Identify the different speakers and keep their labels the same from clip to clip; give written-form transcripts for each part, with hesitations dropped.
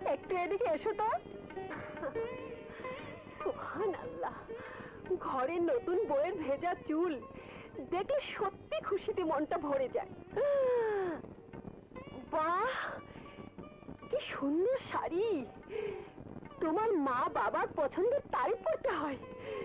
Speaker 1: একটু এদিকে এসো তো। সুবহানাল্লাহ, ঘরের নতুন বউয়ের ভেজা চুল দেখলে সত্যি খুশিতে মনটা ভরে যায়। বাহ, কি সুন্দর শাড়ি! তোমার মা বাবার পছন্দের তারিফ করতে হয়।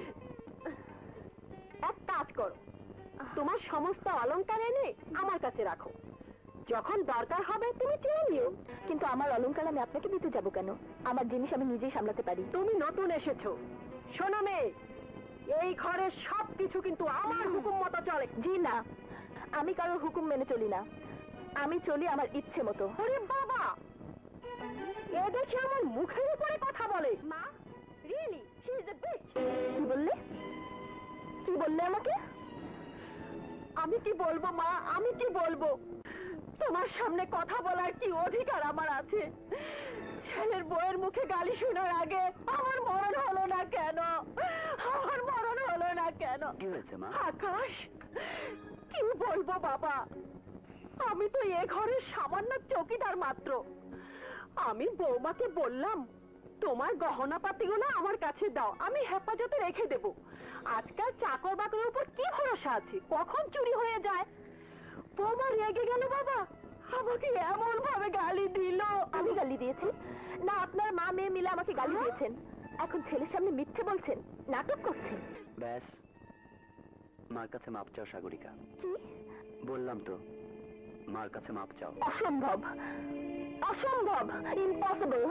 Speaker 1: এক কাজ করো, তোমার সমস্ত অলংকার এনে আমার কাছে রাখো, যখন দরকার হবে তুমি চেয়ে নিও।
Speaker 2: কিন্তু আমার অলংকার আমি আপনাকে দিতে যাব কেন? আমার জিনিস আমি নিজেই সামলাতে পারি।
Speaker 1: তুমি নতুন এসেছো, শোনো মেয়ে, এই ঘরের সবকিছু কিন্তু আমার হুকুম মতো চলে।
Speaker 2: জি না, আমি কারোর হুকুম মেনে চলি না, আমি চলি আমার ইচ্ছে মতো।
Speaker 1: ওরে বাবা, এ দেখে আমার মুখের উপরে কথা বলে। মা, really she is a bitch.
Speaker 2: কি বললে? কি বললে আমাকে?
Speaker 1: আমি কি বলবো মা, আমি কি বলবো? তোমার সামনে কথা বলার কি অধিকার আমার আছে? ছেলের বউয়ের মুখে গালি শোনার আগে আমার মরণ হলো না কেন? আমার মরণ হলো না কেন?
Speaker 3: কি হয়েছে মা?
Speaker 1: আকাশ, কি বলবো বাবা, আমি তো এ ঘরের সামান্য চৌকিদার মাত্র। আমি বৌমাকে বললাম তোমার গহনা পাতিগুলো আমার কাছে দাও, আমি হেফাজতে রেখে দেব। আজকাল চাকর বাকরের উপর কি ভরসা আছে, কখন চুরি হয়ে যায়। বৌমা রেগে গেল বাবা, আমাকে এমন ভাবে গালি দিল।
Speaker 2: আমি গালি দিয়েছি না? আপনার মা মেয়ে মিলে আমাকে গালি দিয়েছেন, এখন ছেলের সামনে মিথ্যে বলছেন, নাটক করছেন।
Speaker 3: ব্যাস, মার কাছে মাপ চাও সাগরিকা।
Speaker 2: কি?
Speaker 3: বললাম তো, মার কাছে মাপ চাও।
Speaker 2: অসম্ভব, অসম্ভব, ইম্পসিবল।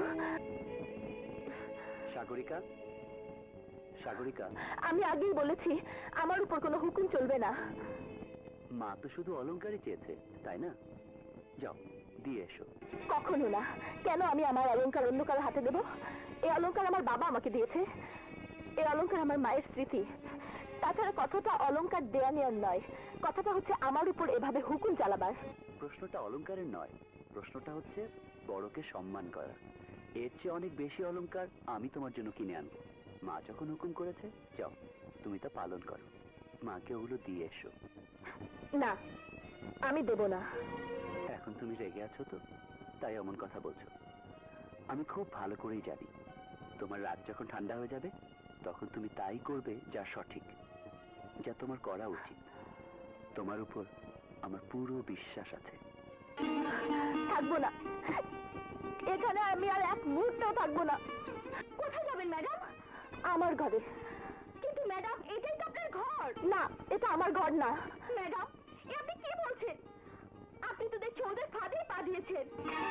Speaker 3: সাগরিকা, সাগরিকা,
Speaker 2: আমি আগেই বলেছি আমার উপর কোনো হুকুম চলবে না।
Speaker 3: মা তো শুধু অলংকারই চেয়েছে, তাই না? যাও, দিয়ে এসো।
Speaker 2: কখনো না। কেন আমি আমার অলংকার অন্য কারো হাতে দেব? এই অলংকার আমার বাবা আমাকে দিয়েছে, এই অলংকার আমার মায়ের স্মৃতি। তাছাড়া কথাটা অলংকার দেয়া নেওয়ার নয়, কথাটা হচ্ছে আমার উপর এভাবে হুকুম চালাবার।
Speaker 3: প্রশ্নটা অলংকারের নয়, প্রশ্নটা হচ্ছে বড়কে সম্মান করা। এর চেয়ে অনেক বেশি অলংকার আমি তোমার জন্য কিনে আনবো। মা যখন হুকুম করেছে, যাও তুমি তা পালন করো। মাকে ওগুলো দিয়ে এসো।
Speaker 2: না, আমি দেব না।
Speaker 3: এখন তুমি রেগে আছো তো, তাই এমন কথা বলছো। আমি খুব ভালো করেই জানি তোমার রাত যখন ঠান্ডা হয়ে যাবে তখন তুমি তাই করবে যা সঠিক, যা তোমার করা উচিত। তোমার উপর আমার পুরো বিশ্বাস আছে।
Speaker 2: থাকবো না, এখানে আমি আর এক মুহূর্তও থাকবো না। কোথায় যাবেন ম্যাডাম? আমার ঘরে। কিন্তু ম্যাডাম, এটাই তো আপনার ঘর। না, এটা আমার ঘর না। ম্যাডাম, এ আপনি কি বলছেন? আপনি তো দেখছি ওদের ফাঁদে পা দিয়েছেন।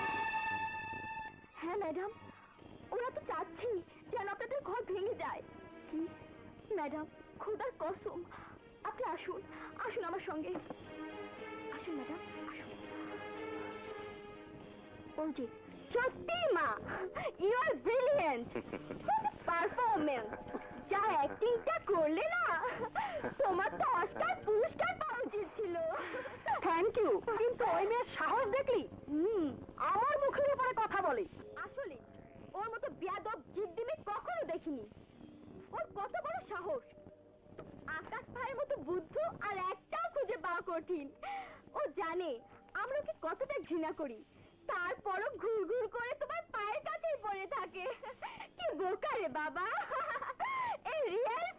Speaker 2: হ্যাঁ ম্যাডাম, ওরা তো চাচ্ছি যেন আপনাদের ঘর ভেঙে যায়। কি ম্যাডাম, খোদার কসম, আপনি আসুন, আসুন আমার সঙ্গে। আসুন ম্যাডাম, আসুন। ওজি, সত্যি মা, ইউ আর ব্রিলিয়েন্ট। পারফরমেন্স, যা অ্যাক্টিংটা করলে না, তোমার তো অস্কার পুরস্কার পাওয়া উচিত ছিল।
Speaker 1: Thank you. কিন্তু ওই মেয়ের সাহস দেখলি? আমার মুখের উপরে কথা বলে।
Speaker 2: আসলে ওর মতো বেয়াদব জিদ্দিমি কখনো দেখিনি। ওর কত বড় সাহস! আকাশ ভাইয়ের মতো বুদ্ধ আর একটাও খুঁজে পাওয়া কঠিন। ও জানে আমরা ওকে কতটা ঘৃণা করি, তারপরও ঘুর ঘুর করে তোমার পায়ের কাছেই পড়ে থাকে। কি বোকা রে বাবা! এই রিয়েল